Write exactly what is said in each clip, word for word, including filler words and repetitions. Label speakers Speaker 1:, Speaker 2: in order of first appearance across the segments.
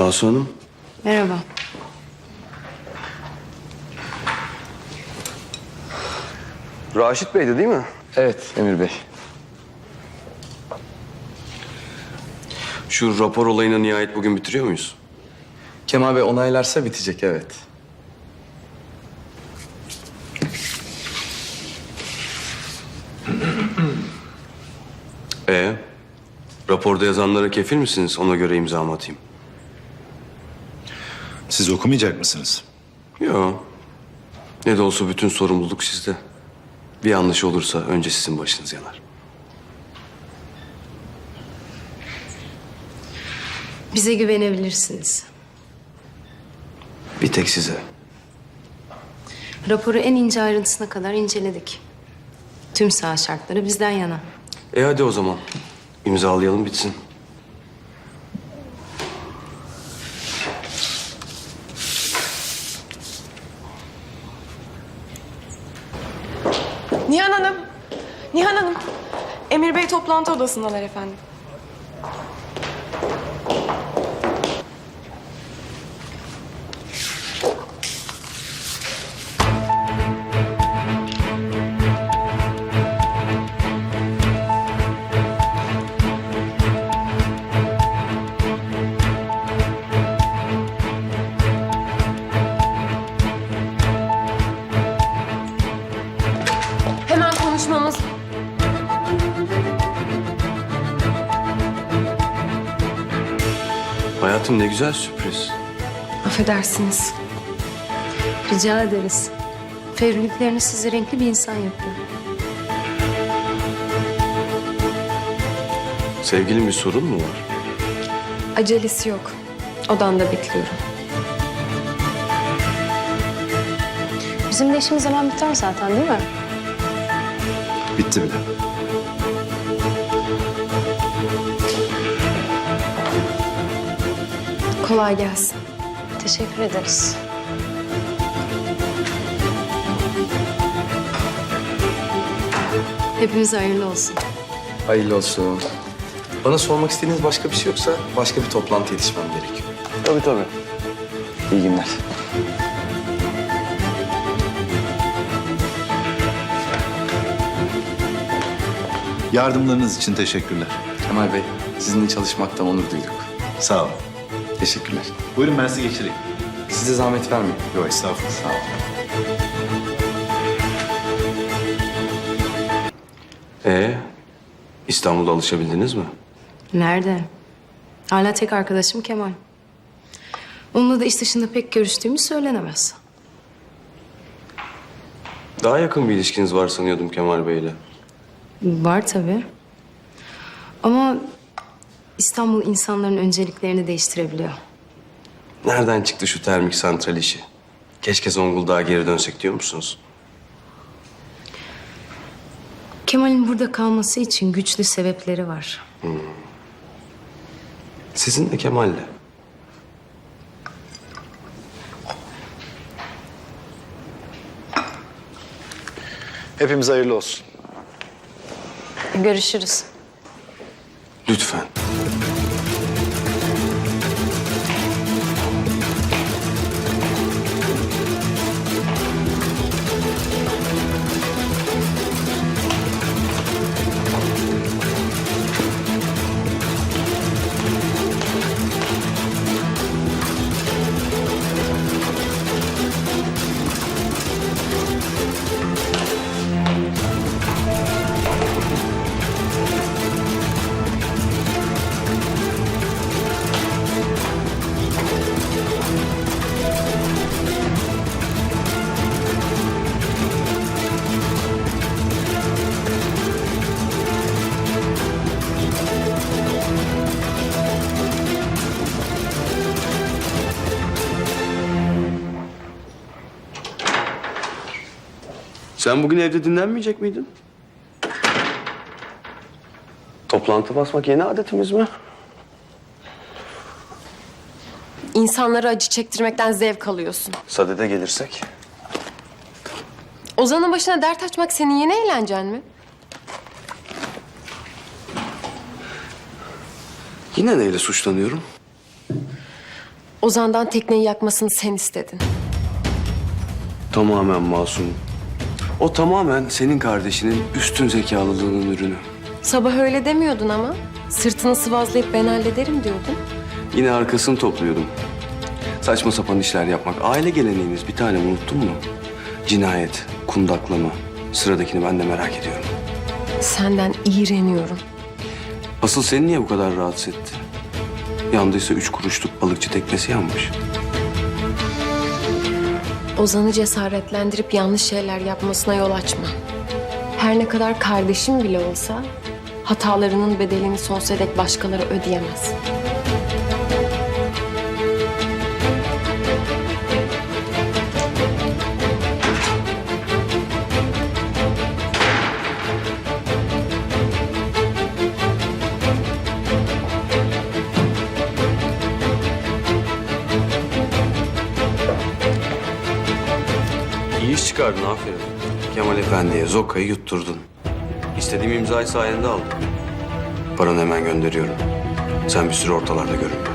Speaker 1: Cansu Hanım.
Speaker 2: Merhaba.
Speaker 1: Raşit Bey'di değil mi?
Speaker 3: Evet Emir Bey.
Speaker 1: Şu rapor olayını nihayet bugün bitiriyor muyuz?
Speaker 3: Kemal Bey onaylarsa bitecek, evet.
Speaker 1: Ee, raporda yazanlara kefil misiniz? Ona göre imzamı atayım.
Speaker 4: Siz okumayacak mısınız?
Speaker 1: Yok. Ne de olsa bütün sorumluluk sizde. Bir yanlış olursa önce sizin başınız yanar.
Speaker 2: Bize güvenebilirsiniz.
Speaker 1: Bir tek size.
Speaker 2: Raporu en ince ayrıntısına kadar inceledik. Tüm saha şartları bizden yana.
Speaker 1: E hadi o zaman. İmzalayalım bitsin.
Speaker 5: Nihan Hanım, Nihan Hanım. Emir Bey toplantı odasındalar efendim. Hemen konuşmamız...
Speaker 1: Hayatım ne güzel sürpriz.
Speaker 5: Affedersiniz.
Speaker 2: Rica ederiz. Fevriliklerini sizi renkli bir insan yapıyor.
Speaker 1: Sevgilin bir sorun mu var?
Speaker 5: Acelesi yok. Odamda bekliyorum.
Speaker 2: Bizim de işimiz hemen biter zaten değil mi?
Speaker 4: Bitti bile.
Speaker 5: Kolay gelsin.
Speaker 2: Teşekkür ederiz. Hepimize hayırlı olsun.
Speaker 3: Hayırlı olsun. Bana sormak istediğiniz başka bir şey yoksa başka bir toplantı yetişmem gerekiyor.
Speaker 1: Tabii tabii.
Speaker 3: İyi günler.
Speaker 4: Yardımlarınız için teşekkürler.
Speaker 3: Kemal Bey, sizinle çalışmaktan onur duyduk.
Speaker 4: Sağ olun.
Speaker 3: Teşekkürler.
Speaker 4: Buyurun ben sizi geçireyim.
Speaker 3: Size zahmet vermeyin.
Speaker 4: Yok estağfurullah.
Speaker 3: Sağ olun.
Speaker 1: Ee, İstanbul'da alışabildiniz mi?
Speaker 2: Nerede? Hala tek arkadaşım Kemal. Onunla da iş dışında pek görüştüğümüz söylenemez.
Speaker 1: Daha yakın bir ilişkiniz var sanıyordum Kemal Bey'le.
Speaker 2: Var tabii. Ama İstanbul insanların önceliklerini değiştirebiliyor.
Speaker 1: Nereden çıktı şu termik santral işi? Keşke Zonguldak'a geri dönsek diyor musunuz?
Speaker 2: Kemal'in burada kalması için güçlü sebepleri var.
Speaker 1: Sizin de Kemal'le.
Speaker 4: Hepimize hayırlı olsun.
Speaker 2: Görüşürüz.
Speaker 1: Lütfen. Sen bugün evde dinlenmeyecek miydin? Toplantı basmak yeni adetimiz mi?
Speaker 5: İnsanlara acı çektirmekten zevk alıyorsun.
Speaker 1: Sadede gelirsek.
Speaker 5: Ozan'ın başına dert açmak senin yeni eğlencen mi?
Speaker 1: Yine neyle suçlanıyorum?
Speaker 6: Ozan'dan tekneyi yakmasını sen istedin.
Speaker 1: Tamamen masum. O tamamen senin kardeşinin üstün zekalılığının ürünü.
Speaker 6: Sabah öyle demiyordun ama. Sırtını sıvazlayıp ben hallederim diyordun.
Speaker 1: Yine arkasını topluyordum. Saçma sapan işler yapmak. Aile geleneğiniz bir tane unuttun mu? Cinayet, kundaklama. Sıradakini ben de merak ediyorum.
Speaker 6: Senden iğreniyorum.
Speaker 1: Asıl seni niye bu kadar rahatsız etti? Yandıysa üç kuruşluk balıkçı teknesi yanmış.
Speaker 6: Ozan'ı cesaretlendirip yanlış şeyler yapmasına yol açma. Her ne kadar kardeşim bile olsa hatalarının bedelini sonsuza dek başkaları ödeyemez.
Speaker 1: İyi iş çıkardın, aferin. Kemal Efendi'ye Zoka'yı yutturdun. İstediğim imzayı sayende aldım. Paranı hemen gönderiyorum. Sen bir süre ortalarda görünme.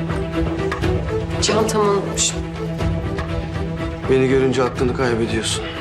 Speaker 6: Çantamı unutmuşum.
Speaker 1: Beni görünce aklını kaybediyorsun.